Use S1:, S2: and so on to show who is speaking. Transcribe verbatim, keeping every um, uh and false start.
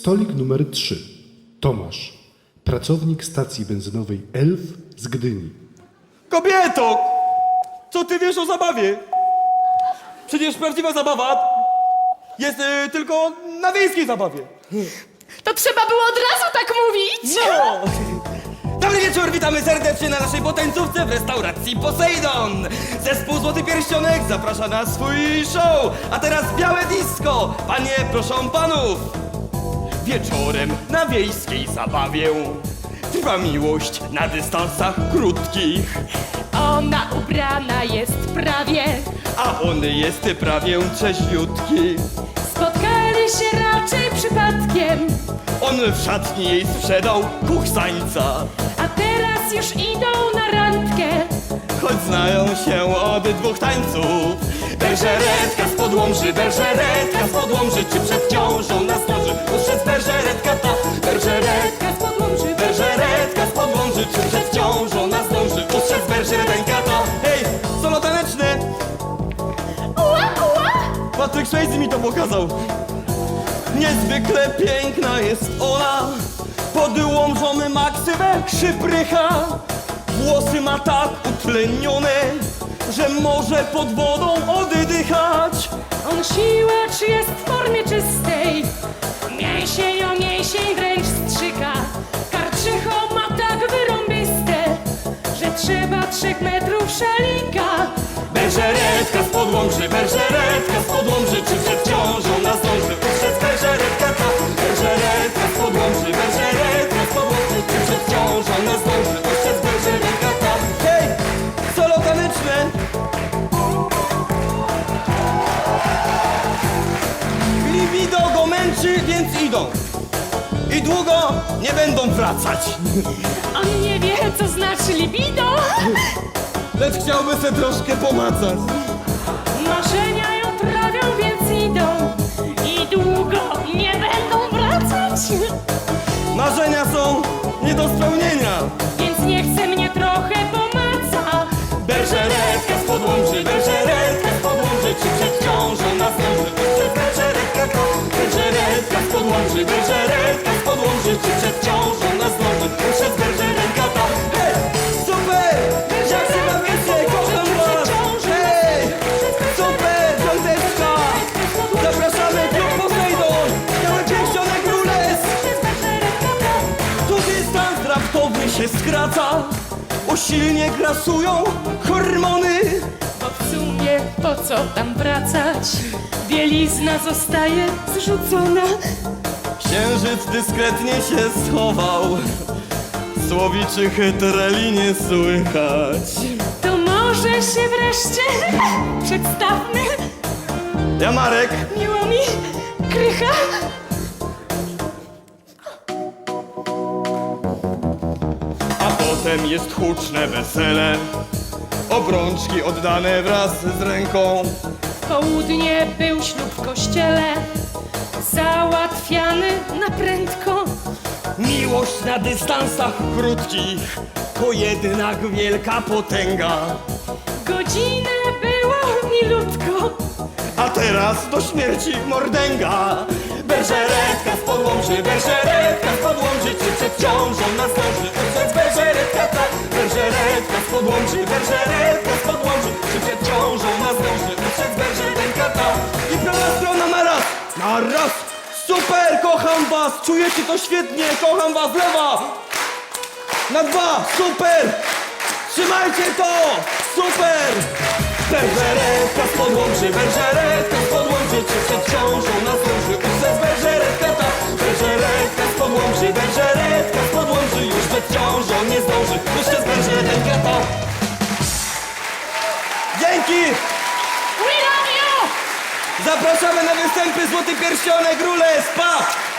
S1: Stolik numer trzy. Tomasz. Pracownik stacji benzynowej Elf z Gdyni.
S2: Kobieto! Co ty wiesz o zabawie? Przecież prawdziwa zabawa jest y, tylko na wiejskiej zabawie.
S3: To trzeba było od razu tak mówić!
S2: No! Dobry wieczór, witamy serdecznie na naszej botańcówce w restauracji Poseidon. Zespół Złoty Pierścionek zaprasza na swój show. A teraz białe disco. Panie, proszę panów. Wieczorem na wiejskiej zabawie trwa miłość na dystansach krótkich.
S3: Ona ubrana jest prawie,
S2: A on jest prawie trzeźwiutki.
S3: spotkali się raczej przypadkiem,
S2: On w szatni jej sprzedał kuchsańca.
S3: a teraz już idą na randkę.
S2: Choć znają się od dwóch tańców. Berżeretka z podłomży, berżeretka z podłomży, czy przed ciążą nastroży ustrzec berżeretka ta. Berżeretka z podłomży, berżeretka z podłomży, czy przed ciążą nastroży ustrzec berżeretka ta. Hej, solo taneczne!
S3: Ua, ua!
S2: Patryk Swayze mi to pokazał. Niezwykle piękna jest ona, pod łomżą ma ksywę szyprycha. Włosy ma tak utlenione, że może pod wodą oddychać.
S3: On siłacz jest w formie czystej, mięsień o mięsień wręcz strzyka. Karczycho ma tak wyrąbiste, że trzeba trzech metrów szalika.
S2: Berżeretka z podłomży, berżeretka z podłomży, czy przed ciążą nas dąży ustrzec berżeretka ta. Berżeretka z podłomży, berżeretka z podłomży, czy przed ciążą nas dąży ustrzec berżeretka ta. Hej, solo taneczne! Libido go męczy, więc idą. I długo nie będą wracać.
S3: On nie wie, co znaczy libido.
S2: Lecz chciałby se troszkę pomacać.
S3: Marzenia ją trawią, więc idą i długo nie będą wracać.
S2: Marzenia są nie do spełnienia.
S3: Więc nie chce mnie trochę pomaca.
S2: Berżeretka z podłomży, berżeretka z podłomży, czy przed ciążą nas dąży ustrzec berżeretka ta. Berżeretka z podłomży, berżeretka z podłomży, czy przed ciążą nas dąży ustrzec berżeretka ta. Hej, super! Jak się bawicie? Kocham was! Hej, super! Piąteczka! Zapraszamy klub Poseidon! Białe Pierścionek Rules! Tu dystans raptowy się skraca, usilnie grasują hormony.
S3: Bo w sumie po co tam wracać? Bielizna zostaje zrzucona.
S2: Księżyc dyskretnie się schował, słowiczych treli nie słychać.
S3: To może się wreszcie przedstawmy.
S2: Ja Marek,
S3: Miło mi, Krycha.
S2: a potem jest huczne wesele, obrączki oddane wraz z ręką.
S3: W południe był ślub w kościele, załatwiany na prędko.
S2: Miłość na dystansach krótkich to jednak wielka potęga.
S3: Godzinę było milutko,
S2: A teraz do śmierci mordęga. Berżeretka z podłomży, berżeretka z podłomży, czy przed ciążą nas dąży ustrzec berżeretka ta. Berżeretka z podłomży, berżeretka z podłomży, czy przed ciążą nas dąży ustrzec berżeretka ta. I prawa strona na raz, na raz. Super, kocham was, czujecie to świetnie, kocham was, lewa. Na dwa, super. Trzymajcie to, super. Berżeretka z podłomży, berżeretka z podłomży, czy przed ciążą nas dąży ustrzec berżeretka ta. Berżeretka z podłomży, berżeretka z podłomży, już przed ciążą nie zdąży ustrzec berżeretka ta. Dzięki!
S3: we love you!
S2: Zapraszamy na występy Złoty Pierścionek Rules, pa!